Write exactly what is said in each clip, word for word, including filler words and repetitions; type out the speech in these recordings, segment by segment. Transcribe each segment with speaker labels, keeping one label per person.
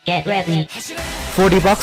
Speaker 1: Get ready.
Speaker 2: โฟร์ ดี box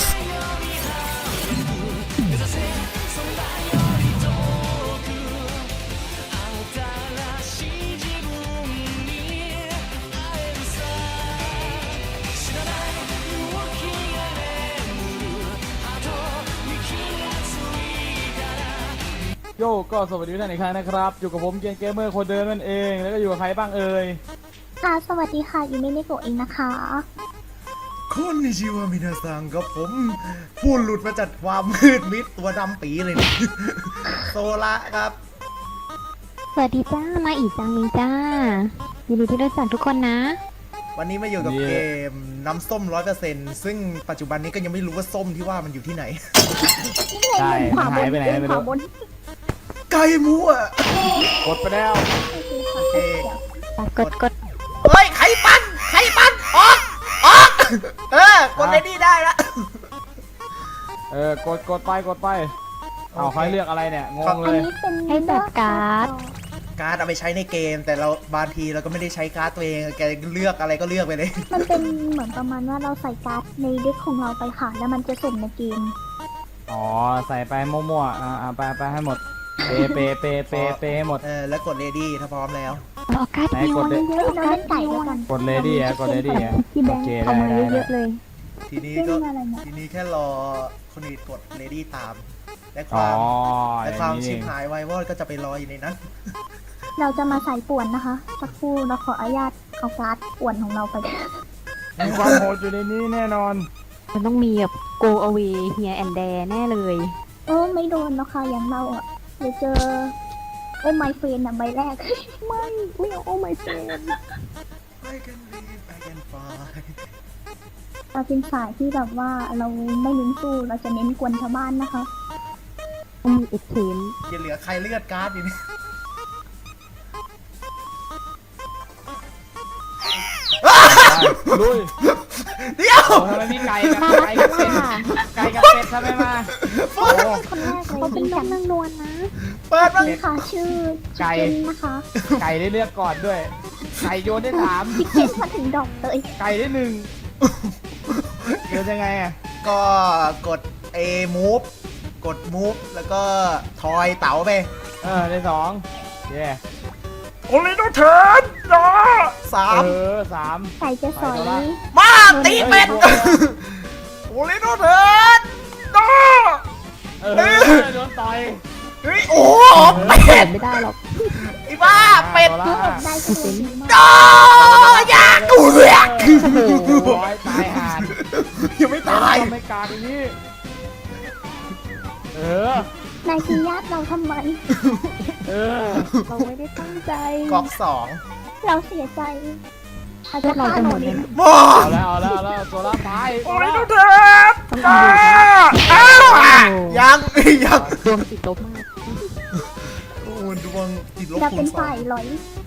Speaker 3: โยก็สวัสดีทุกท่านอีกครั้งนะครับอยู่กับผมเกมเกมเมอร์คนเดิมนั่นเองแล้วก็อยู่กับใครบ้างเอ่ย
Speaker 4: ค่ะสวัสดีค่ะยูมิเนโกะเองนะคะ
Speaker 5: คนนิชิวามินาซังกับผมผู้หลุดมาจากความมืดมิดตัวดำปีเลยนะ โซละครับ
Speaker 6: สวัสดีจ้า มาอีกจังมิงจ้ายินดีที่ได้รู้จักทุกคนนะ
Speaker 5: วันนี้มาอยู่กับเกมน้ำส้มร้อยเปอร์เซ็นต์ซึ่งปัจจุบันนี้ก็ยังไม่รู้ว่าส้มที่ว่ามันอยู่ที่ไหน
Speaker 3: ใช่มันหายไปไหนไม่รู้
Speaker 5: ไก่มั่ว
Speaker 3: กดไปแล้ว
Speaker 5: โอเค
Speaker 6: กดกด
Speaker 5: เฮ้ยไข่ปันไข่ปันออกออกเออกดเลยนี่ได้ละ
Speaker 3: เออกดกดไปกดไปเอาใครเลือกอะไรเนี่ยงง
Speaker 4: อัน
Speaker 3: เลย
Speaker 4: นี้เป็น
Speaker 6: ให้จัดการ์ด
Speaker 5: การ์ดเอาไปใช้ในเกม แต่เราบางทีเราก็ไม่ได้ใช้การ์ดตัวเองแกเลือกอะไรก็เลือกไปเลย
Speaker 4: มันเป็นเหมือนประมาณว่าเราใส่การ์ดในเด็กของเราไปค่ะ แล้วมันจะสุ่มในเกม
Speaker 3: อ๋อใส่ไปมั่วๆอ่าอ่าไปไปให้หมดเปเปเปเปเปให้หมด
Speaker 5: เออแล้วกดเลดี้ถ้าพร้อมแล้ว
Speaker 6: เอาการ์ด
Speaker 3: ไหน
Speaker 6: นิว
Speaker 3: กดดิ
Speaker 6: เยอะๆ
Speaker 4: เรา
Speaker 6: การ์
Speaker 4: เล่
Speaker 6: ด
Speaker 4: นไก่
Speaker 6: นิว
Speaker 4: ด้วยกัน
Speaker 3: กดเลดี้อะกดเลดี้อะ
Speaker 6: พี่แบ
Speaker 3: โอง เค
Speaker 6: ค์เอา
Speaker 3: ได้
Speaker 6: มา
Speaker 3: ได้
Speaker 6: เย
Speaker 3: ได้
Speaker 6: อะๆเลย
Speaker 5: ทีนี้
Speaker 4: เล่
Speaker 5: ก็
Speaker 4: นอะไรเนี่ย
Speaker 5: ทีนี้แค่รอคนอื่นกดเลดี้ตาม และค
Speaker 3: อ๋อ
Speaker 5: วาม
Speaker 3: อ
Speaker 5: และ
Speaker 3: ย่าง
Speaker 5: ความ
Speaker 3: นี้
Speaker 5: ชิ
Speaker 3: นี่
Speaker 5: บหายไววอดก็จะไปรออยู่ในนั้น
Speaker 4: เราจะมาใส่ป่วนนะคะสักครู่เราขออนุญาตเอาการ์ดป่วนของเราไป
Speaker 3: มีความโหดอยู่ในนี้แน่นอน
Speaker 6: มันต้องมีแบบ go away here and there แน่เลย
Speaker 4: เออไม่โดนนะคะอย่างเราอ่ะเดี๋ยวเจอโอ้ไมเฟนอ่ะใบแรก
Speaker 6: ไม่ไม่เอาโอ้ my friend
Speaker 5: I can live I can fly
Speaker 4: เราเป็นสายที่แบบว่าเราไม่เน้นสู้เราจะเน้นกวนชาวบ้านนะคะ
Speaker 6: ต้องมีเอ็กเทน
Speaker 5: อย่าเหลือใครเลือดการ์ดอยู่นี่
Speaker 3: ลุย
Speaker 5: เดี๋ยว
Speaker 3: โอ้ทำไมมีไก่กับไก่กับเป็ดไก่กับเป็ดทำไมมาโอ้
Speaker 4: คนแรกเลย
Speaker 6: เขาเป็นน้องนางนวลนะ
Speaker 5: เปิดมา
Speaker 4: นี่ค่ะชื่อ
Speaker 3: ไก่
Speaker 4: ชิคเก้นนะคะ
Speaker 3: ไก่ได้เลือกก่อนด้วย ไก่โยนได้สาม
Speaker 4: ชิคเก้นมาถึงดอกเลย
Speaker 3: ไก่ได้หนึ่งโยนยังไงอะ
Speaker 5: ก็กด A move กด move แล้วก็ทอยเต๋าไป
Speaker 3: เออได้สองเย่
Speaker 5: โอลิโนเทิร์นนะสาม
Speaker 3: เออสาม
Speaker 4: ไก่จะสอย
Speaker 3: ไปตัวละ
Speaker 5: มาตีเป็ด
Speaker 3: เฮ้ย
Speaker 5: โอลิโนเทิร์นนะ
Speaker 3: เออโดนต่อย
Speaker 5: เฮ้ยโอ้โหเป็
Speaker 6: เปิ
Speaker 5: ด
Speaker 6: ดไม่ได้หรอก
Speaker 5: ไอ้บ้าเป็ด
Speaker 3: อาละ
Speaker 4: ได้ก็ดีมาก
Speaker 5: โอ้ยากกูเลือก
Speaker 3: โอ้โหตายห่าน
Speaker 5: ยังไม่ตาย
Speaker 3: ทำไม่กาดอย่างนี้เออน
Speaker 4: ายทีญาติเราทำไม
Speaker 3: เออ
Speaker 6: เราไม่ได้ตั้งใจ
Speaker 5: กอกสอง
Speaker 4: เราเสียใจอาจ
Speaker 6: พว
Speaker 4: จะ
Speaker 6: กเราจะหมดเลยนะ
Speaker 5: บ้า
Speaker 3: เอาแล้วเอาแล้วเอาแล้วตัวละตาย
Speaker 5: โอ
Speaker 3: ตัว
Speaker 5: ลิ
Speaker 3: ละ
Speaker 5: โนเทิร์นอ้าวอ้าวยังยัง
Speaker 6: ดวงติดลบมาก
Speaker 5: โอ้ดวงติดลบ
Speaker 4: เรา
Speaker 5: คู
Speaker 4: เป็
Speaker 5: ณ
Speaker 4: น
Speaker 5: สอ
Speaker 4: ฝ่าง ยลอย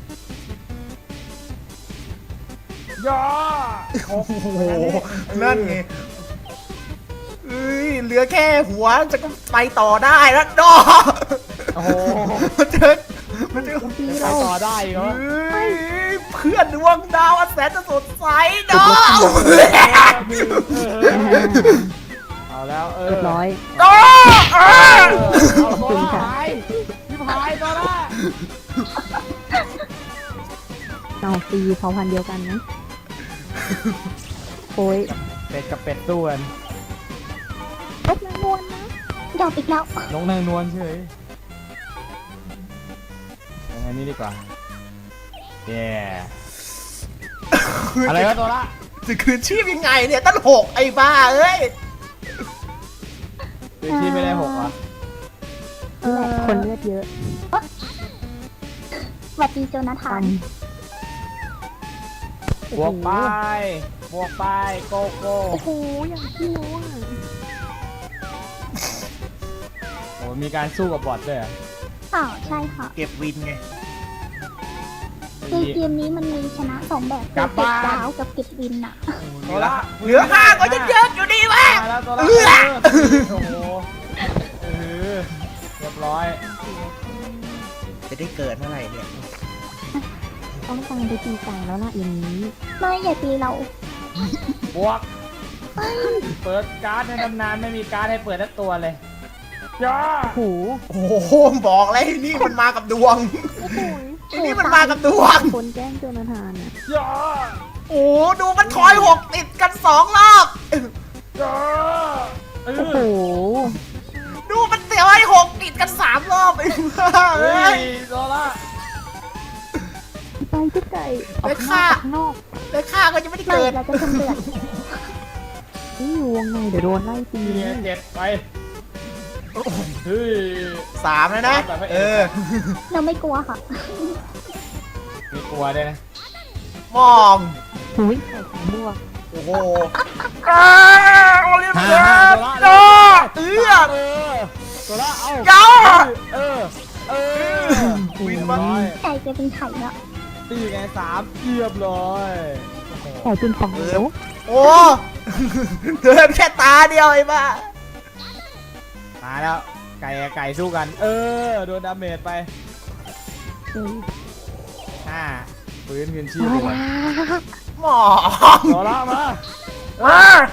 Speaker 3: ย่อ
Speaker 5: โอ้โหนั่นไงเอ้ยเหลือแค่หัวจะก็ไปต่อได้แล้วดอ
Speaker 3: โอ้โห
Speaker 5: มันเจอมันเจอ
Speaker 6: ดี
Speaker 3: ไป
Speaker 6: เรา
Speaker 3: ต่อได้เหรอ
Speaker 5: เอ้ยเพื่อนดวงดาวอันแสนจะสดใสดอ
Speaker 3: เอาแล้วเออ
Speaker 6: เรียบร้อย
Speaker 5: ดอเอ้ย
Speaker 3: เอาตัวละหายพี่พายตัวละ
Speaker 6: เอาตีเผ่าพันธุ์เดียวกันนะโอ้ย
Speaker 3: เป็ดกับเป็ดตู้กัน
Speaker 6: ลบนางนวลนะ
Speaker 4: ดอกอีกแล้ว
Speaker 3: น้องนางนวลเฉยอย่างนี้ดีกว่าเย่อะไรวะตัวละ
Speaker 5: จะคืนชีพยังไงเนี่ยตั้งหกไอ้บ้าเอ้ย
Speaker 3: คือที่ไม่ได้หกอ่ะ
Speaker 6: เออคนเลือดเยอะ
Speaker 4: สวัสดีโจนาธา
Speaker 6: ตั
Speaker 4: น
Speaker 6: น
Speaker 3: บวกไปบวกไปโกโก้
Speaker 6: โอ้โหอย่างที่รู้อ่ะ
Speaker 3: โอ้มีการสู้กับบอทด้วยเหรอ
Speaker 4: อ้าวใช่ค่ะ
Speaker 5: เก็บวินไง
Speaker 4: คือเกมนี้มันมีชนะสองแบบคือเก็บดาวกับเก็บวินอะ
Speaker 3: ตัวละ
Speaker 5: เหลือห้าก็ยังเยอะอยู่ดีวะ
Speaker 3: มาแล้วตัวละ
Speaker 5: เอื้อ
Speaker 3: โอ้โหเออเรียบร้อย
Speaker 5: จะได้เกิดเมื่อไหร่เนี่ย
Speaker 6: ต้องการไปตีไก่แล้วล่ะอย่างนี้
Speaker 4: ไม่อย่าตีเรา
Speaker 3: บวกเปิดการ์ดในตำนานไม่มีการ์ดให้เปิดทั้งตัวเลยย่า
Speaker 6: โอ้โห
Speaker 5: โอ้โหบอกเลยนี่มันมากับดวง
Speaker 6: โอ้โห
Speaker 5: ไอ้นี่มันมากับดวง
Speaker 6: คนแกล้งโจนาธานอ่ะ
Speaker 3: ย่า
Speaker 5: โอ้ดูมันถอยหกติดกันสองรอบ
Speaker 3: ย่าเอ
Speaker 6: โอ้โห
Speaker 3: อ
Speaker 5: ดูมันถอยหกติดกันสามรอบไอ้บ้า
Speaker 3: เฮ้
Speaker 5: เอ้ย
Speaker 3: ยโซล่า
Speaker 6: ไปที่ไก่ออก
Speaker 5: ไป
Speaker 6: ข้างน
Speaker 5: ฆ่า
Speaker 6: อกออกข้างนอก
Speaker 5: แล้วข้าก็ยังไม่ได้
Speaker 4: ไม่
Speaker 5: เกิด
Speaker 4: เราจะชำเลือด
Speaker 6: นี่อยู่วงในเดี๋ยวโดนไล่ตี
Speaker 3: นี่ไงเจ็ดไปเฮ้ย
Speaker 5: สามแล้วนะเออ
Speaker 4: เราไม่กลัวค่ะ
Speaker 3: มีกลัวด้วยนะ
Speaker 5: มอง
Speaker 6: หุยไก่สามบวก
Speaker 5: โอ้โหอ้าโอลิม
Speaker 3: ฮ่า
Speaker 5: เปิ
Speaker 3: ฮ่า
Speaker 5: ด
Speaker 3: โซล่า
Speaker 5: จ้าเอื้อ
Speaker 3: เออโซล่าเอา
Speaker 5: จ้า
Speaker 3: เออเออ
Speaker 5: วินมา
Speaker 3: ร้อย
Speaker 4: ไก่จะเป็นไข่แล้ว
Speaker 3: ตีไงสามเรียบร้อยโอ้โห
Speaker 6: ไก่เป็นฟองเดียว
Speaker 5: โอ้เดินแค่ตาเดียวไอ้บ้า
Speaker 3: มาแล้วไก่กับไก่สู้กัน เออโดนดาเมจไป
Speaker 6: เออ
Speaker 3: ห้าปืนคืนชีพ
Speaker 6: มา
Speaker 3: เลย
Speaker 6: แล้ว
Speaker 5: หมอง
Speaker 3: โซล่ามาเอ
Speaker 5: อ่า
Speaker 3: อ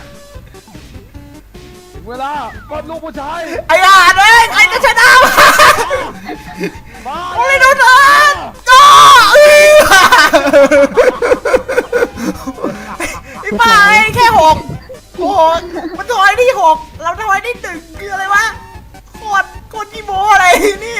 Speaker 3: ถึงเวลากดลูกผู้ชาย
Speaker 5: ไอ้ห่าเอ้ยใครจะชนะวะ
Speaker 3: มา
Speaker 5: โอลิมเปิดจ้าเอื้อไอ้บ้าไอ้แค่หกหกมันถอยได้หกเราถอยได้หนึ่งคืออะไรวะโคตรโคตรขี้โม้อะไรนี่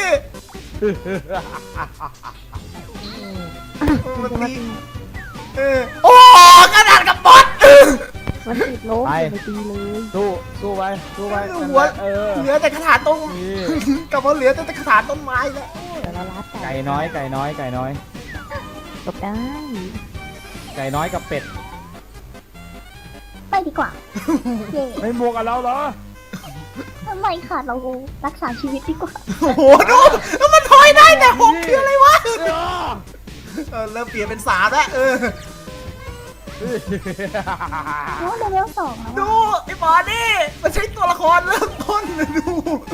Speaker 5: มันตีเออโอ้กระดาษกับบอสเออ
Speaker 6: มันติดลบอย่าไปตีเลย
Speaker 3: สู้สู้ไปสู้ไป
Speaker 5: หัว
Speaker 3: เออ
Speaker 5: เหลือแต่กระถางต้น
Speaker 3: นี่
Speaker 5: กลับมาเหลือแต่กระถางต้นไม้แล้ว
Speaker 6: เดี๋ยวเราลัด
Speaker 3: ไก่น้อยไก่น้อยไก่น้อย
Speaker 6: จบได้
Speaker 3: ไก่น้อยกับเป็ด
Speaker 4: ไปดีกว่า เย่
Speaker 3: ไม่บวกกับเราเหรอ
Speaker 4: ทำไมค่ะเรารักษาชีวิตดีกว่า
Speaker 5: โอ้โหดูแล้วมันถอยได้แต่หกคืออะไรวะ
Speaker 3: เออ
Speaker 5: เออเริ่มเปลี่ยนเป็นสามแล้วเออ
Speaker 4: โอ้เลเวลสองแล้ว
Speaker 5: ดู
Speaker 4: อะ
Speaker 5: ไอ้หมอนี่มันใช้ตัวละครเริ่มต้นเลยดู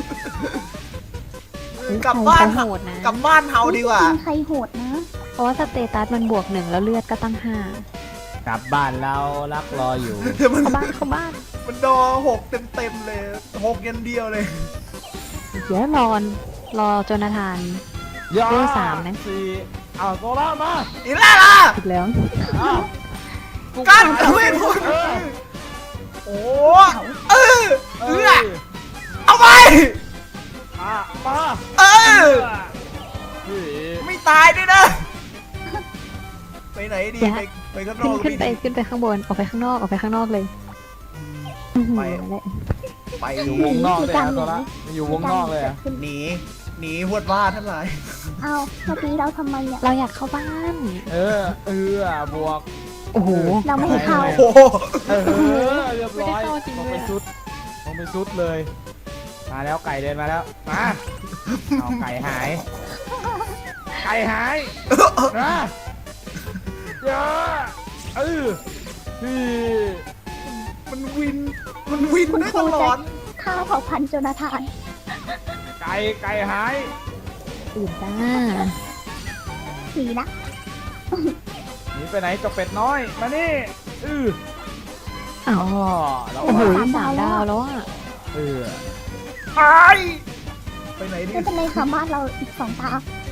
Speaker 5: กลับบ้าน
Speaker 6: ใครโหดนะ
Speaker 5: กลับบ้านเฮาดีกว่า
Speaker 4: จริงใครโหดนะ
Speaker 6: เพราะว่าสเตตัสมันบวกหนึ่งแล้วเลือดก็ตั้งห้าก
Speaker 3: ลับบ้านเรารักรออยู่
Speaker 5: เดี๋ยวมัน
Speaker 6: เข้าบ้านเข้าบ้าน
Speaker 5: มันดอหกเต็มเต็มๆเลยหกยันเดียวเลย
Speaker 6: เดี๋ยวรอนรอโจนาธาน
Speaker 3: ย่า
Speaker 6: เบอร์สามนะ
Speaker 3: สี่เอาโซล่ามา
Speaker 5: อีล่าล่ะ
Speaker 6: อีกแล้ว
Speaker 3: อ้าว
Speaker 5: กันเวทมนต์
Speaker 3: เออ
Speaker 5: โอ้เออ
Speaker 3: เอ
Speaker 5: เอ
Speaker 3: อ
Speaker 5: อเอาไป
Speaker 3: อ่ะมา
Speaker 5: เออ
Speaker 3: เฮ้ย
Speaker 5: ไม่ตายด้วยนะ ไปไหนดี ไปไปข้างน
Speaker 6: ขึ้
Speaker 5: อน ก
Speaker 6: ขึ้นไป
Speaker 5: ดี
Speaker 6: ขึ้นไปข้างบนออกไปข้างนอกออกไปข้างนอกเลยอื้อหือ
Speaker 5: ไป
Speaker 6: นั่นแหละ
Speaker 5: ไป
Speaker 3: อยู่วงนอกเลยอะโซล่าอยู่วงนอกเลยอะ
Speaker 4: ขึ้น
Speaker 5: หนี หนีหวดว่าทั้งหลาย
Speaker 4: เอาเมื่อกี้เราทำไมเนี่ย
Speaker 6: เราอยากเข้าบ้าน
Speaker 3: เออเออบวก
Speaker 6: โอ้โห
Speaker 4: เราไม่ให้เข้า
Speaker 5: โอ้โห
Speaker 3: เออเรียบร้อย
Speaker 6: ไม่ได้เข้าจริง
Speaker 3: ลง
Speaker 6: ด้วย
Speaker 3: เป็น
Speaker 6: อะ
Speaker 3: ชุดลงเป็นชุดเลย มาแล้วไก่เดินมาแล้วมาเอาไก่หาย ไก่หายนะเยอะเออพี่
Speaker 5: มันวิน มันวินได้ตลอด
Speaker 4: ฆ่าเผ่าพันธุ์โจนาธาน
Speaker 3: ไก่ไก่หาย
Speaker 6: ตื่นจ้า
Speaker 4: สีนะ
Speaker 3: หนีไปไหนเจบเป็ดน้อยมานี่เออ
Speaker 6: อ้าว
Speaker 3: อ๋อแล้ว
Speaker 6: โอ้โห
Speaker 3: ว่า
Speaker 6: สามดาวแล้วอ่ะ
Speaker 3: เออ
Speaker 5: ตายไปไหนดี
Speaker 4: ไม่เป็นไรค่ะบ้านเราอีกสองตา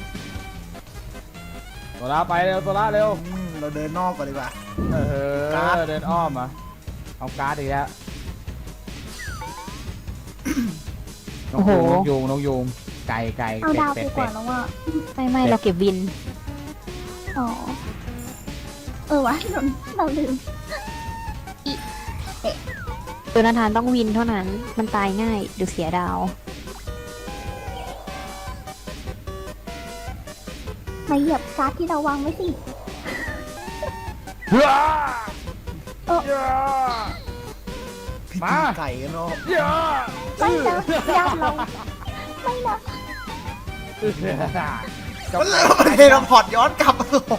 Speaker 3: ตัวละไปเร็วตัวละเร็ว
Speaker 5: อืมเราเดินนอกก่อนดีกว่า
Speaker 3: เอ
Speaker 5: การ์ด
Speaker 3: อเดินอ้อมอ่ะเอาการ์ดอีกแล้วนกยูงนกยูงนกยูงไก่ไก่
Speaker 4: เอา
Speaker 3: เป็ด
Speaker 4: ดาว
Speaker 3: เป็
Speaker 4: ไป
Speaker 3: ด
Speaker 4: ก่อ
Speaker 3: เป็
Speaker 4: น
Speaker 3: ด
Speaker 4: แล้วว่า
Speaker 6: ไม่ไม่เราเก็บวิน
Speaker 4: อ๋อ เออวะเราเราลืม
Speaker 6: โจนาธานต้องวินเท่านั้น มันตายง่ายเดี๋ยวเสียดาว
Speaker 4: มาเหยียบการ์ดที่เราวางไว้สิ
Speaker 3: เฮ้ย
Speaker 4: เออ
Speaker 3: เย้
Speaker 5: พี่
Speaker 3: มา
Speaker 5: กินไก่กันเนาะ
Speaker 3: เย้
Speaker 4: ไม่นะยามเรา ไม่นะ
Speaker 3: จับ
Speaker 5: มัน
Speaker 3: ไก่
Speaker 5: เลยเทเลพอร์ตย้อนกลับ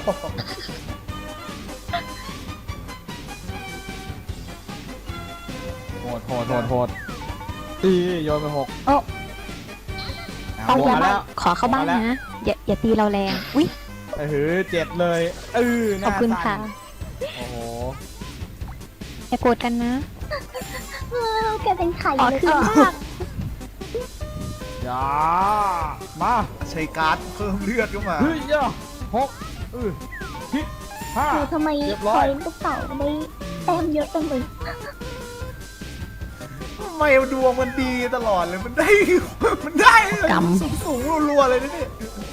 Speaker 3: โหดโหดโหดโหดตีโยนไปหก
Speaker 6: โอ้
Speaker 3: เอา
Speaker 6: เอา
Speaker 3: บว
Speaker 6: อก ย่า
Speaker 3: มา
Speaker 6: มา
Speaker 3: แล้ว
Speaker 6: ขอเข้าบ้านนะ อย่าอย่าตีเราแรง อุ้ย
Speaker 3: เออเจ็ดเลยเออห
Speaker 6: ขอบ
Speaker 3: น้า
Speaker 6: คุณ
Speaker 3: สั่
Speaker 6: ค่ะ
Speaker 3: นโอ้โห
Speaker 6: อย่าโกรธกันนะ
Speaker 3: เ
Speaker 4: เออแกเป็นไข่
Speaker 6: อ๋อ
Speaker 4: เลย
Speaker 6: คือ
Speaker 4: อ่ะ
Speaker 6: มาก
Speaker 3: อย่ามา
Speaker 5: ใช้การ์ดเพิ่มเลือดเข้ามา
Speaker 3: เฮ้ยย่าหกเออสิบห้า
Speaker 4: เออทำไม
Speaker 3: เรียบ
Speaker 4: ค
Speaker 3: ร้อ
Speaker 4: อย ยลูกเต่าได้แต้มเยอะจังเลย
Speaker 5: ทำไมดวงมันดีตลอดเลยมันได้ มันได้สูงสูงๆรัวๆเลยนะเนี่ย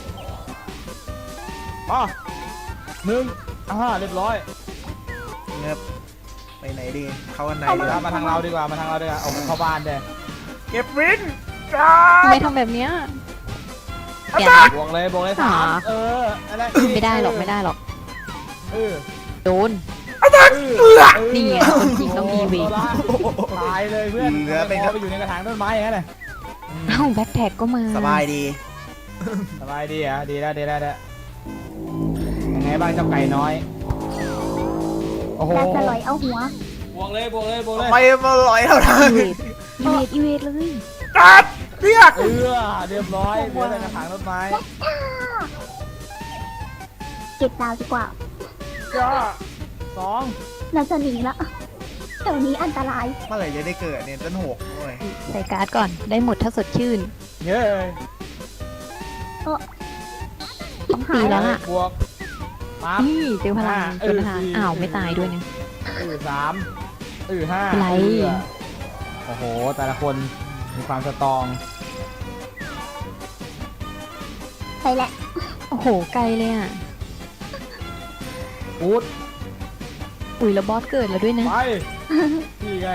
Speaker 3: มาหนึ่งอ่าเรียบร้อย
Speaker 5: เงียบไปไหนดีเข้ากันไหน
Speaker 3: เอา
Speaker 5: ดี
Speaker 3: มามาทางเราดีกว่ามาทางเราดีกว่าเอาเข้าบ้านเด้
Speaker 5: เก็บวินจ้า
Speaker 6: ทำไมทำแบบเนี้ยแก
Speaker 3: บวกเลยบวกเลยสาม
Speaker 6: หา
Speaker 3: เอออะไร
Speaker 6: ไม่ได้หรอกไม่ได้หรอก
Speaker 3: เออ
Speaker 6: โดน
Speaker 3: เออ
Speaker 6: นี่ไงคนจริงต้องมีเวร
Speaker 3: ตายเลยเพื่อนไปไปอยู่ในกระถางต้นไม้อย่างนั้นเลย
Speaker 6: เอ้าแบ็คแท็กก็มา
Speaker 5: สบายดี
Speaker 3: สบายดีอ่ะดีแล้วดีแล้วดีแล้วยังไงบ้างเจ้าไก่น้อยโอ้โห
Speaker 4: แต่จะลอยเอาหัว
Speaker 3: บวกเลยบวกเลยบวกเลย
Speaker 5: ไปมาลอยเท่านั้น
Speaker 6: อีเวทอีเวทอีเวทเลย
Speaker 5: กัดเรียก
Speaker 3: เออเรียบร้อยเหลือแต่กระถางต้นไม้
Speaker 4: เก็บดาวดีกว่า
Speaker 3: จ้าสอง
Speaker 4: เราจะหนีละแถวนี้อันตราย
Speaker 5: เมื่อไหร่จะได้เกิดเนี่ยต้นหกโอ้ย
Speaker 6: ใส่การ์ดก่อนได้หมดถ้าสดชื่น
Speaker 3: เย้
Speaker 6: ต้องตีแล้วล่ะ
Speaker 3: บวกปั๊บ
Speaker 6: นี่เจอพลังเจอพลังอ้าวไม่ตายด้วยเนี่ย
Speaker 3: เออสามเออห้า
Speaker 6: อะไร
Speaker 3: เออโอ้โหแต่ละคนมีความสตรอง
Speaker 4: ใช่แหละ
Speaker 6: โอ้โหไกลเลยอ่ะ
Speaker 3: อูด
Speaker 6: อุ้ยแล้วบอสเกิดแล้วด้วยนะ
Speaker 3: ไปนี่ไง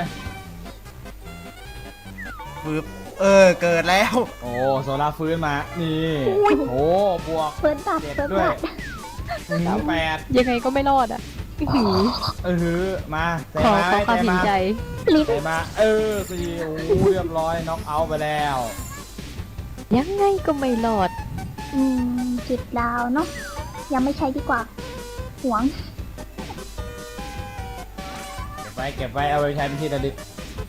Speaker 5: ปึ๊บเออเกิดแล้ว
Speaker 3: โอ้โซล่าฟื้นมา นี่โอ้บวก
Speaker 4: เฟิร์สบัต
Speaker 3: เจ็ด
Speaker 4: เฟิร์ส
Speaker 3: ด้วย
Speaker 4: บัต
Speaker 3: ถึงแปด
Speaker 6: ยังไงก็ไม่รอดอ่ะอื้อหือ
Speaker 3: เออมาใจ
Speaker 6: ขอ
Speaker 3: มา
Speaker 6: ขอความ
Speaker 3: ใจ
Speaker 6: เห็น
Speaker 3: มา
Speaker 6: ใจ
Speaker 4: ลิฟ
Speaker 3: ใจมาเออสี่โอ้เรียบร้อยน็อกเอาท์ไปแล้ว
Speaker 6: ยังไงก็ไม่รอด
Speaker 4: อืมจิบดาวเนาะยังไม่ใช้ดีกว่า หวง
Speaker 3: เก็บไว้เก็บไว้เอาไปใช้เป็นที่ระลึก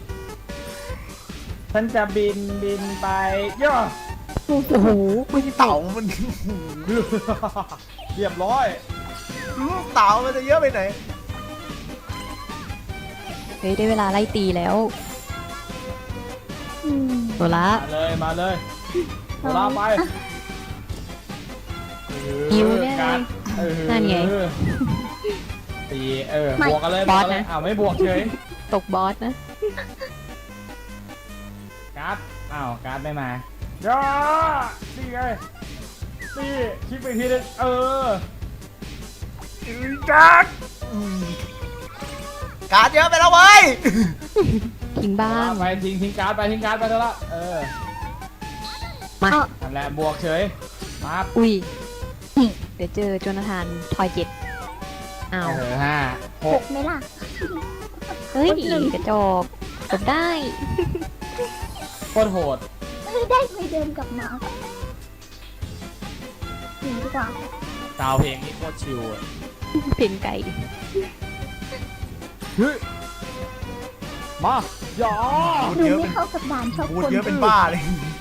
Speaker 3: ฉันจะบินบินไปย่อ
Speaker 6: โอ้โห
Speaker 5: เต่ามัน
Speaker 3: เรียบร้อย
Speaker 5: เต่ามันจะเยอะไปไหน
Speaker 6: เฮ้ยได้เวลาไล่ตีแล้ว
Speaker 4: อืม
Speaker 6: โซละ
Speaker 3: มาเลยมาเลยโซล่าไป
Speaker 6: หิวแน่เลย
Speaker 3: การเออ
Speaker 6: นั่นไง
Speaker 3: ตีเออบวกกันเลย
Speaker 6: บอส
Speaker 3: วกกัเลย
Speaker 6: นะ
Speaker 3: อ้าวไม่บวกเฉย
Speaker 6: ตกบอสนะ
Speaker 3: การ์ดอ้าวการ์ดไม่มาย่านี่ไงนี่คลิปไปทีนึงเออ
Speaker 5: การ์ดอืมการ์ดเยอะไปแล้วเว้ย
Speaker 6: ทิ้งบ้าง
Speaker 3: ไปทิ้งทิ้งการ์ดไปทิ้งการ์ดไปเถอะละเออ
Speaker 6: มา
Speaker 3: นั่นแหละบวกเฉยมา
Speaker 6: อุ้ยเดี๋ยวเจอโจนาธานทอยเจ็ดอ้าว
Speaker 3: เออห้าห
Speaker 4: ห
Speaker 3: ก
Speaker 4: กไหมล่ะ
Speaker 6: เฮ้ยกระจอกจบได้
Speaker 3: โคตรโหด
Speaker 4: เฮ้ยได้ไปเดินกลับมาหนีดีกว่า
Speaker 3: ดาวเพลงนี้โคตรชิลอะ
Speaker 6: เพลงไก่
Speaker 3: เฮ้ยมาอย่า
Speaker 5: พูด
Speaker 4: ดู
Speaker 5: เยอะ
Speaker 4: ไม่
Speaker 5: เป็น
Speaker 4: เข้ากับด่านชอบ
Speaker 5: พูด
Speaker 4: คน
Speaker 5: เยอะเป็นบ้าเลย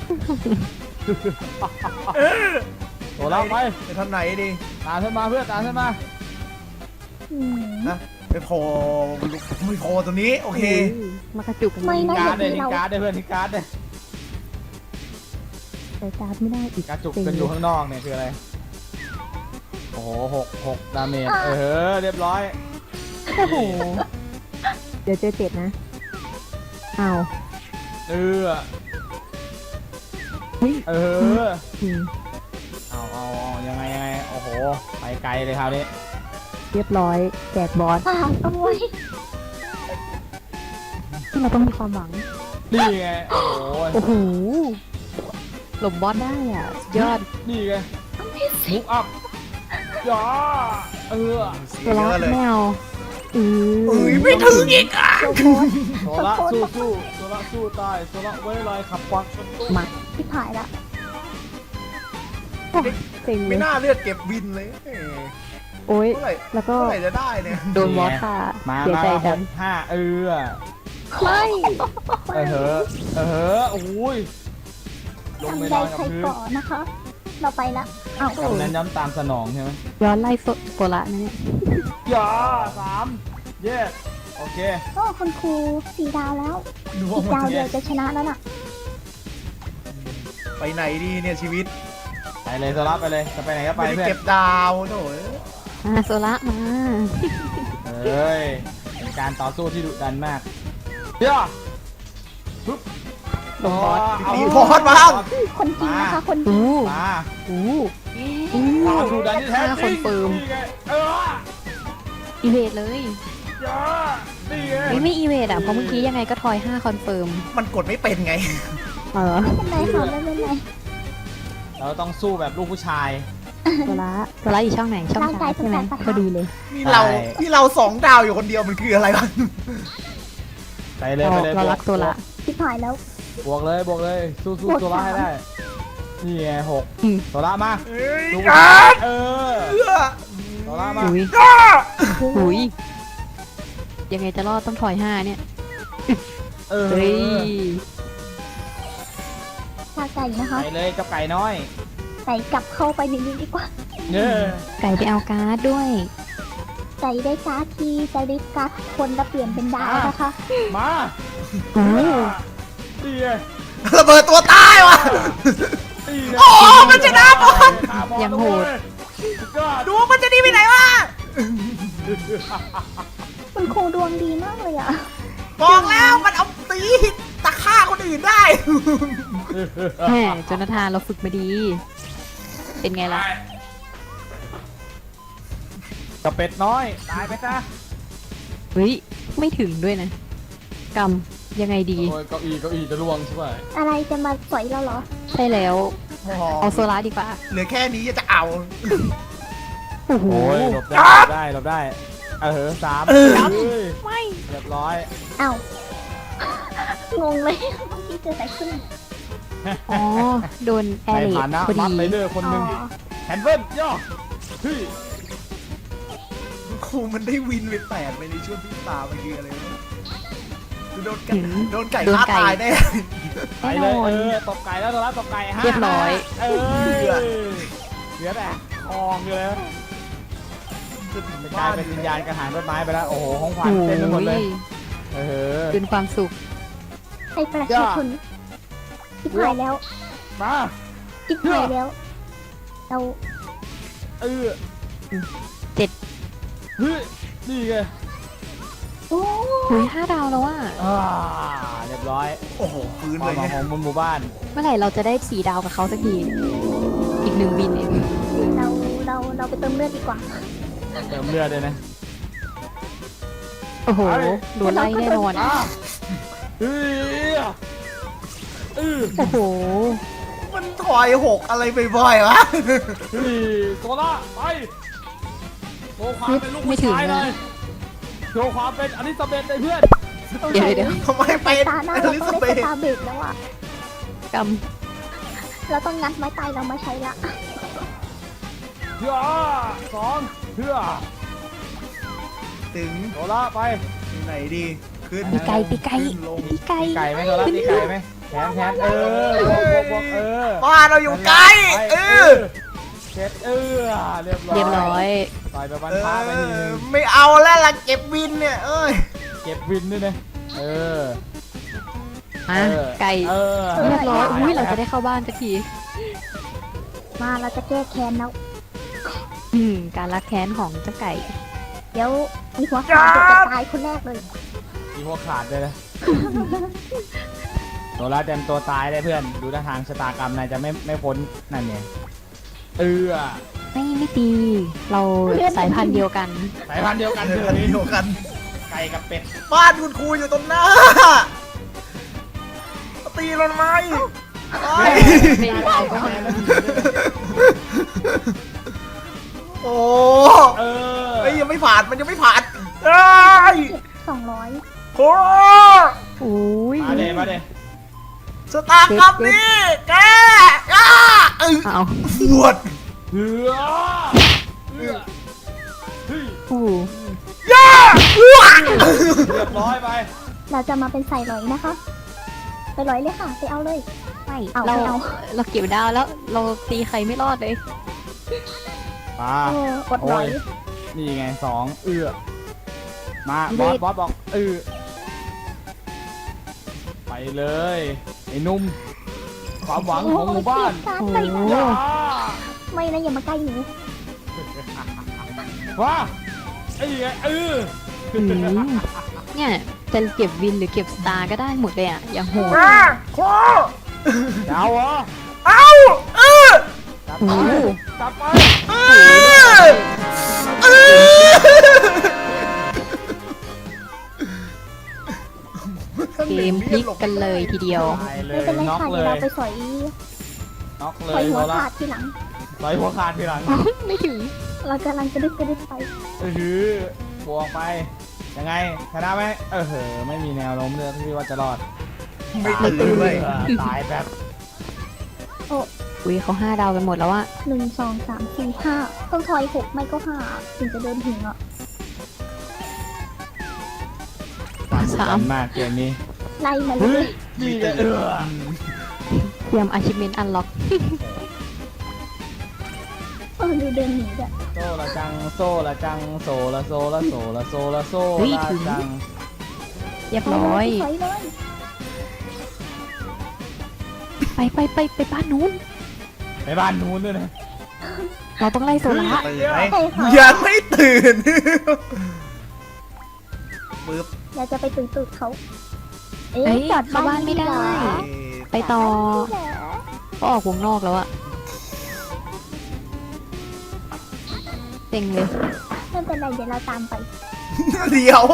Speaker 3: โซล่าไป
Speaker 5: ไปทางไหนดี
Speaker 3: ตามฉันมาเพื่อนตามฉันมา
Speaker 4: อืม
Speaker 5: นะไปโผล่ไม่โผล่ตัวนี้โอเค
Speaker 6: มากระจุกกัน
Speaker 4: ไม่นะ
Speaker 3: การ์ดเลยทิ้งการ์ดเลยเพื่อนทิ้งการ์ดเลย
Speaker 6: ใส่การ์ดไม่ได้อีก
Speaker 3: การ์ดจุกกันอยู่ข้างนอกเนี่ยคืออะไรโอ้โหหกหกดาเมจเออเรียบร้อย
Speaker 6: โอ้โห เดี๋ยวเจอเจ็ดนะอ้าว
Speaker 3: เออ
Speaker 6: เฮ้ย
Speaker 3: เออ
Speaker 6: อืม
Speaker 3: เอาเอาเอายังไงยังไงโอ้โหไปไกลเลยคราวนี้
Speaker 6: เรียบร้อยแจกบอส
Speaker 4: อ่าโอ้ย
Speaker 6: ที่เราต้องมีความหวัง
Speaker 3: นี่ไงโอ้โห
Speaker 6: โอ้โหหลบบอสได้อ่ะสุดยอด
Speaker 3: นี่ไงมุกอัพจ้าเออ
Speaker 5: เสีย
Speaker 6: ตัว
Speaker 5: เย
Speaker 6: ละ
Speaker 5: อะเลย
Speaker 6: ไม่เอาอือ
Speaker 5: เอ้ยไม่ถึงอีกอ่ะ
Speaker 4: โซโพส
Speaker 3: โซละสู้สู้โซละสู้ตายโซละไว้ลอยขับควักชนตู้
Speaker 6: มา
Speaker 4: ที่ผายละ
Speaker 6: เต็งเล
Speaker 5: ไม่
Speaker 6: ย
Speaker 5: น่าเลือดเก็บวินเลยเอ้ย
Speaker 6: โอ้ย
Speaker 5: เมื่อไหร่
Speaker 6: แล้วก็
Speaker 5: เมื่อไหร่จะได้เนี่ย
Speaker 6: โดนบอสค่ะ
Speaker 3: มา
Speaker 6: เสีย
Speaker 3: มา
Speaker 6: ใจ
Speaker 3: ห
Speaker 6: จั
Speaker 3: ก
Speaker 6: ง
Speaker 3: ห้าเออ
Speaker 6: ไม่
Speaker 3: เออเหอะเออเหอะโอ้ยลงไป
Speaker 4: ทำ
Speaker 3: น
Speaker 4: ได้
Speaker 3: อนกับ
Speaker 4: ใคร
Speaker 3: พื้น
Speaker 4: ก่อนนะคะ เราไปละเอ้าก
Speaker 3: ำนั้นย้ำตามสนองใช่ไหม
Speaker 6: ย้อนไล่โซโซละนะเนี่ย
Speaker 3: อย่าสามเย้โอเค
Speaker 4: โอ้คุณครูสี่ดาวแล้ว
Speaker 5: ดู
Speaker 4: อี
Speaker 5: ว่าก มัน
Speaker 4: ดาว
Speaker 5: จะ
Speaker 4: เดียวจะชนะแล้วน่ะ
Speaker 5: ไปไหนดีเนี่ยชีวิต
Speaker 3: ไปเลยโซล่าไปเลยจะไปไหนก็ไป
Speaker 5: ไม่ได้
Speaker 3: เพื่อน
Speaker 5: เก็บดาวโถ่
Speaker 6: อ่าโซละมา
Speaker 3: เฮ้ยเป็นการต่อสู้ที่ดุดันมากเดี๋ยวปึ๊บ
Speaker 6: ลงบอส
Speaker 3: เอา
Speaker 5: ตีบอสบ้าง
Speaker 4: คนจริงนะคะคนจริง
Speaker 6: อู้
Speaker 3: มา
Speaker 6: อู้อู้
Speaker 3: ความดุดันที่แท้
Speaker 6: ห้า
Speaker 3: จ
Speaker 6: ค
Speaker 3: ริ
Speaker 6: น
Speaker 3: ง
Speaker 6: เฟิร์ม
Speaker 3: นี่ไงเออ
Speaker 6: อีเวทเลย
Speaker 3: เยอะนี่ไง
Speaker 6: ไม่ไม่อีเวทอ่ะ เพราะเมื่อกี้ยังไงก็ทอยห้าคอนเฟิร์ม
Speaker 5: มันกดไม่เป็นไง
Speaker 6: เออ
Speaker 4: ไม่เป็นไรค่ะไม่เป็นไร
Speaker 3: เราต้องสู้แบบลูกผู้ชาย
Speaker 6: โซละโซละอยู่ช่องไหน ช่อง
Speaker 4: ร่างกา
Speaker 6: ซ้าย ยใช่ไหม
Speaker 4: สุดแสนประทับ
Speaker 6: พอดีเลย
Speaker 5: นี่เรา
Speaker 3: ใช่
Speaker 5: นี่เราสองดาวอยู่คนเดียวมันคืออะไรวะ
Speaker 3: ไปเลยไปเลย
Speaker 6: เรา
Speaker 3: บว
Speaker 6: รักโซละ
Speaker 4: ชิบหายแล้ว
Speaker 3: บวกเลยบวกเลยสู้สู้
Speaker 4: บวก
Speaker 3: โซล่าให้
Speaker 4: สาม
Speaker 3: ได้นี่ไงหก
Speaker 6: อืม
Speaker 3: โซล่ามา
Speaker 5: เอ้ย
Speaker 3: ลูก
Speaker 5: การ
Speaker 3: เออ
Speaker 5: เอื้อ
Speaker 3: โซล่ามา
Speaker 6: หุยหุยยังไงจะรอดต้องถอยห้าเนี่ย
Speaker 3: เออ
Speaker 6: เฮ้ย
Speaker 4: ชาไก่นะคะ
Speaker 3: ไปเลยกับไก่น้อย
Speaker 4: ไก่กลับเข้าไปในนี้ดีกว่า
Speaker 3: เนี่ย
Speaker 6: ไก่ไปเอาการ์ดด้วย
Speaker 4: ไก่ได้การ์ดทีจะได้การ์ดคนละเปลี่ยนเป็นดาวนะคะ
Speaker 3: มา
Speaker 6: โอ้
Speaker 3: นี่ไง
Speaker 5: ระเบิดตัวตายวะ
Speaker 3: นี่ไง
Speaker 5: โอ้มันชนะบอล
Speaker 3: ฆ่าบอล
Speaker 6: ยังโหด
Speaker 3: ด้วยก็
Speaker 5: ดูว่ามันจะดีไปไหนวะ
Speaker 4: คุณครูดวงดีมากเลยอ่ะ
Speaker 5: บอกแล้วมันเอาตีตะฆ่าคนอื่นได้
Speaker 6: แหมโจนาธานเราฝึกมาดี เป็นไงล่ะ
Speaker 3: กับเป็ดน้อยตายไปซะ
Speaker 6: เฮ้ย ไม่ถึงด้วยนะกรรมยังไงดี
Speaker 3: โอ้ยเก้าอี้เก้าอี้จะล่วงใช่ไหม
Speaker 4: อะไรจะมาสอยเราเหรอ
Speaker 6: ใช่แล้ว เอาโซลาร์ดีกว่า
Speaker 5: เหลือแค่นี้จะเอา
Speaker 6: โอ้โห
Speaker 3: โอ้ยหลบได้หลบได้หลบได้เออสาม
Speaker 5: เออ
Speaker 3: เฮ้ย
Speaker 6: ไม่
Speaker 3: เรียบร้อย
Speaker 4: เอ้า งงเลยเมื่อกี้เจออะไรขึ้น
Speaker 6: อ๋อ โดนแอ
Speaker 3: ใน
Speaker 6: ร์เล
Speaker 3: ฐา
Speaker 6: ด
Speaker 3: นะ
Speaker 6: พอ
Speaker 3: มั
Speaker 6: ดี
Speaker 3: ดไรเดอร์คนหนึ่ง
Speaker 4: อ๋อ
Speaker 3: แฮนเฟิลย่อเฮ้ย
Speaker 5: ครูมันได้วินไปแปดไปในช่วงที่ตาเมื่อกี้อะไรวะโดนไก่
Speaker 6: หืม
Speaker 5: โดนไก่
Speaker 6: โดน
Speaker 5: ฆ่า
Speaker 6: ไก่
Speaker 5: ตายแน่
Speaker 3: ไปเลยเออตบไก่แล้วตัวละตบไก่ห้า
Speaker 6: เรียบร้อย
Speaker 3: เออเหลือแต่คองอยู่เลยกลายเป็นวิญญาณกระหางต้นไม้ไปแล้วโอ้โหของขวัญ
Speaker 6: โอ้
Speaker 3: เต็มไปหมดเลย
Speaker 6: ย
Speaker 3: เออ
Speaker 6: เป็นความสุข
Speaker 4: ให้ประชาชนชิบหายแล้ว
Speaker 3: มา
Speaker 4: ชิบหายแล้ว เรา
Speaker 3: เออ
Speaker 6: เจ็ด
Speaker 3: เฮ้ยนี่ไง
Speaker 4: โอ้
Speaker 6: หุยห้าดาวแล้วอ่ะ
Speaker 3: อ่าเรียบร้อย
Speaker 5: โอ้โหฟื้น
Speaker 3: ควา
Speaker 5: เล
Speaker 3: ม
Speaker 5: ย
Speaker 3: หวัง
Speaker 5: เนี่ย
Speaker 3: ของหมู่บ้าน
Speaker 6: เมื่อไหร่เราจะได้สี่ดาวกับเขาสักที อีกหนึ่งวินเอง
Speaker 4: เรา เรา เราไปเติมเลือดดีกว่า
Speaker 3: เติมเลือดเลยนะ
Speaker 6: โอ้โห
Speaker 3: ไป
Speaker 6: โดนไล่แน่นอน
Speaker 3: อ่ะเฮ้ยเออ
Speaker 6: โอ้โห
Speaker 5: มันถอยหกอะไรบ่อยๆวะ
Speaker 3: เฮ้ยโซล่าไปโชว์ความเป็นลูก
Speaker 6: ไม่
Speaker 3: ผู้
Speaker 6: ถึง
Speaker 3: ชายเล
Speaker 6: นะ
Speaker 3: ยโชว์ความเป็นอลิซาเบธเลยเพื่อน
Speaker 6: เดี๋ยวเดี๋ยว
Speaker 5: ทำไมเป็น
Speaker 4: ตาหน้า
Speaker 5: อ
Speaker 4: เรา
Speaker 5: ลิ
Speaker 4: ต้อ
Speaker 5: ซาง เบ
Speaker 4: ได้
Speaker 5: ธ
Speaker 4: สตาร์เบรกแล้วอ่ะ
Speaker 6: กรรม
Speaker 4: เราต้องงัดไม้ตายเรามาใช้ละ
Speaker 3: เพื่อสองเพื่อ
Speaker 5: ถึง
Speaker 3: โซล่าไป
Speaker 5: ไหนดีขึ้น
Speaker 6: ตีไก่ตีไก่
Speaker 5: ขึ้นลง
Speaker 6: ตีไก่
Speaker 3: ไก่ไหมโซล่าตีไก่ไหมแขนแขนเออบวกบวกบวกเออ
Speaker 5: บ้านเราอยู่ไกลเออ
Speaker 3: เช็ดเออเรียบร้อย
Speaker 6: เรียบร้อย
Speaker 3: ต่อยไปบัน
Speaker 5: เอ
Speaker 3: ท้าไปทีนึ
Speaker 5: อง ไม่เอาแล้วล่ะเก็บวินเนี่ยเอ้ย
Speaker 3: เก็บวินด้วยนะเออ
Speaker 6: อ่ะ
Speaker 3: เออ
Speaker 6: ไก่
Speaker 3: เออ
Speaker 6: เรียบร้อย อุ้ยเราจะได้เข้าบ้านสักที
Speaker 4: มาเราจะแก้แค้นแล้ว
Speaker 6: อืม การรักแค้นของเจ้าไก่
Speaker 4: เดี๋ยวมีหัวขาดจะตายคนแรกเลย
Speaker 3: มีหัวขาดเลยนะโซล่าเต็มตัวตายได้เพื่อน ดูท่าทางชะตากรรมนายจะไม่ไม่พ้นนั่นไงเออ
Speaker 6: ไม่ไม่ตี เราสายพันธุ์เดียวกัน
Speaker 3: สายพันธุ์เดียวกัน
Speaker 5: เดี
Speaker 3: เถ
Speaker 5: ยวกัน
Speaker 3: อะ
Speaker 5: เดียวกัน
Speaker 3: ไก่กับเป็ด
Speaker 5: บ้านคุณครูอยู่ตรงหน้าตีเราทำไมไป
Speaker 6: ไม่ได้ก็มา
Speaker 5: โอ้
Speaker 3: เออ
Speaker 5: เอ้ยยังไม่ผ่านมันยังไม่ผ่านเอ้ย
Speaker 4: สองร้อย
Speaker 5: โอ้
Speaker 6: อุ้ย
Speaker 3: มาเดมาเด
Speaker 5: สตาร์กรรมนี่แกอ้าเออ
Speaker 6: เอา
Speaker 5: ปวด
Speaker 3: เหือเหือเฮ้ย
Speaker 6: อู้
Speaker 5: ย่าอ้วก
Speaker 3: เรียบร้อยไป
Speaker 4: เราจะมาเป็นใส่ร้อยนะคะ ไปร้อยเลยค่ะ ไปเอาเลย
Speaker 6: ไม่
Speaker 4: เอา
Speaker 6: เรา
Speaker 4: ไม่เอา
Speaker 6: เราเก็บดาวแล้ว เราตีใครไม่รอดเลย
Speaker 3: มา
Speaker 4: เออกดร้อย
Speaker 3: โอ้ย นี่ไงสองเอื้อมาบอสบอสบอกเออไปเลยไอ้หนุ่มความหวังของหมู่บ้าน
Speaker 4: โอ้ย
Speaker 3: อย่า
Speaker 4: ไม่นะอย่ามาใกล้หนู
Speaker 3: ว้าไอ้ไงเออ
Speaker 6: อืมเนี่ยจะเก็บวินหรือเก็บสตาร์ก็ได้หมดเลยอ่ะอย่างโหด
Speaker 5: โอ้
Speaker 3: เจ้าเหรอ
Speaker 5: เอาเออ
Speaker 3: จัด
Speaker 6: โอ้
Speaker 3: ไป
Speaker 6: โห
Speaker 3: จัดไป
Speaker 5: เออเออ
Speaker 6: เกมพลิกกันเลยทีเดียว
Speaker 3: ตายเล
Speaker 4: ไม่
Speaker 3: ย
Speaker 4: เป็นไร
Speaker 3: น็อก
Speaker 4: ค่ะ
Speaker 3: เล
Speaker 4: เดี๋ยวย เราไปสอย
Speaker 3: น็อกเล
Speaker 4: สอย
Speaker 3: ย
Speaker 4: หัว
Speaker 3: โซล่า
Speaker 4: ขาดทีหลัง
Speaker 3: สอยหัวขาดทีหลัง
Speaker 6: ไม่ถึง
Speaker 4: เรากำลังจะดึกกระดึกไป
Speaker 3: เออบวกไปยังไงชนะไหมเออเหอะไม่มีแนวโน้มเลยที่ว่าจะรอด
Speaker 5: ไม่ตื่นด้วย
Speaker 3: เออตายแบบ
Speaker 6: อุ้ยเขาห้าดาวกันหมดแล้วอะ
Speaker 4: หนึ่งสองสามสี่ห้าต้องทอยหกไม่ก็ห้าถึงจะเดินถึงอ่ะ
Speaker 6: สาม
Speaker 3: มากเกมนี้
Speaker 4: ไล่มาเล
Speaker 3: เฮ้ย
Speaker 4: ย
Speaker 3: นี่จะเออ
Speaker 6: เตรียม achievement unlock
Speaker 4: เออดูเดินหนีอ่ะ
Speaker 3: โซละจังโซละจังโซละโซละโซละโซละโซ
Speaker 6: เฮ้ย
Speaker 3: ละ
Speaker 6: ถึง
Speaker 3: จัง
Speaker 6: เรียบร้อย
Speaker 4: ถอยเลย
Speaker 6: ไปไปไปไปบ้านนู้น
Speaker 3: ไปบ้านนู้นด้วยนะ
Speaker 6: เราต้องไล่โซล่า
Speaker 5: ตื่นไหม
Speaker 4: ใช่ค่ะ
Speaker 5: ยังไม่ตื่นปึ๊บ
Speaker 4: อยากจะไปตื่นตื่นเขา เอ๊ะ
Speaker 6: เอ้ย
Speaker 4: จอด
Speaker 6: เข้าบ้านไม่ได้
Speaker 4: เหรอ
Speaker 6: ไปต่อ
Speaker 4: เหรอ
Speaker 6: ก็ออกวงนอกแล้วอะเต็งเลย
Speaker 4: ไม่เป็นไรเดี๋ยวเราตามไป
Speaker 5: เดี๋ยว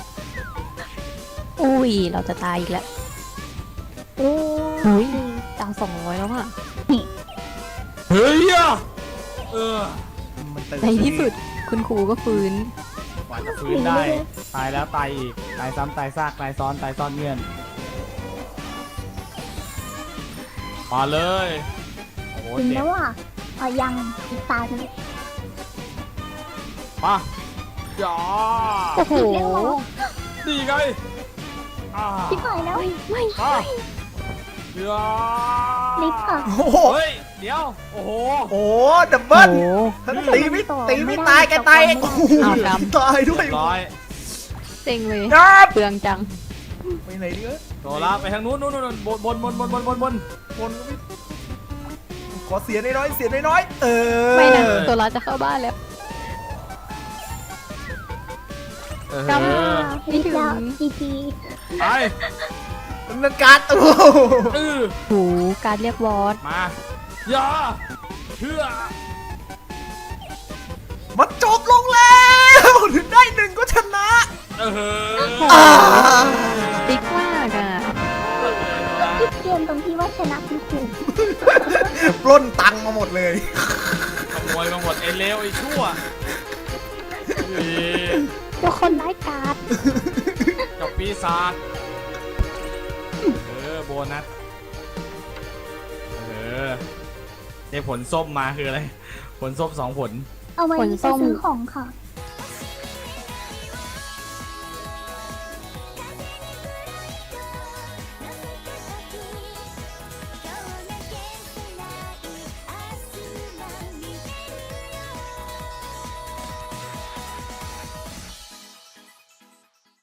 Speaker 6: อุ้ย เราจะตายอีกแล้ว
Speaker 4: โอ้
Speaker 6: อุ้ยดาวสองร้อยแล้วอะ
Speaker 3: เฮ้ยอ่ะเออ
Speaker 5: มันตื่น
Speaker 6: ในที่สุดคุณครูก็ฟื้น
Speaker 3: กว่าจะฟื้นได้ตายแล้วตายอีกตายซ้ำตายซากตายซ้อนตายซ้อนเงื่อนมาเลยโอ้โห
Speaker 4: ถึง
Speaker 3: เจ็
Speaker 4: แล้
Speaker 3: บ
Speaker 4: วอ่ะอ่ะยังอีกตาหนึง
Speaker 3: มาอย่า
Speaker 6: โอ้โห
Speaker 3: ดีไงอ่า
Speaker 4: ชิบหายแล้ว
Speaker 6: ไม่ไม่
Speaker 3: มาอย่า
Speaker 4: ลิฟต์ค่ะ
Speaker 5: โอ้โห
Speaker 3: เฮ้ยเดี๋ยวโอ้โห
Speaker 5: โอ้ดับเบิ้ล
Speaker 6: โอ้โห
Speaker 5: ตีไม่ตีไม่ตายแกตายเองโอ้โห
Speaker 6: อ้าวดำ
Speaker 5: ตายด้วย
Speaker 3: เรียบร้อย
Speaker 6: เต็งเลย
Speaker 5: ดับ
Speaker 6: เปลืองจัง
Speaker 5: ไปไหนดีเอ้ย
Speaker 3: โซล่าไปทางนู้นนู้นนู้นบนบนบนบนบนบนบน
Speaker 5: คนก็ไม่ขอเสียน้อยๆเสียน้อยๆเออ
Speaker 6: ไม่นะโซล่าจะเข้าบ้านแล้ว
Speaker 3: เออ
Speaker 6: จำ
Speaker 4: ลิฟต์แล้วจีพี
Speaker 3: ไป
Speaker 5: ดำเนินการโอ้โห
Speaker 3: เออ
Speaker 6: โหการเรียกวอส
Speaker 3: มาอย่าเชื่อ
Speaker 5: มันจบลงแล้วถึงได้หนึ่งก็ชนะ
Speaker 3: เออ
Speaker 5: อ่า
Speaker 6: ติ๊กมากอ่ะ
Speaker 4: คิดเกมตรงที่ว่าชนะคุณครู
Speaker 5: ปล้นตังค์มาหมดเลย
Speaker 3: ขโมยมาหมดไอ้เลวไอ้ชั่วเฮ้ย
Speaker 4: ทุกคนไร้ายการ์ด
Speaker 3: กับปีศาจเออโบนัสเออได้ผลส้มมาคืออะไร ผลส้มสองผล
Speaker 4: เอาไว้
Speaker 6: ผลส้ม
Speaker 4: ไปซื้อของค่ะ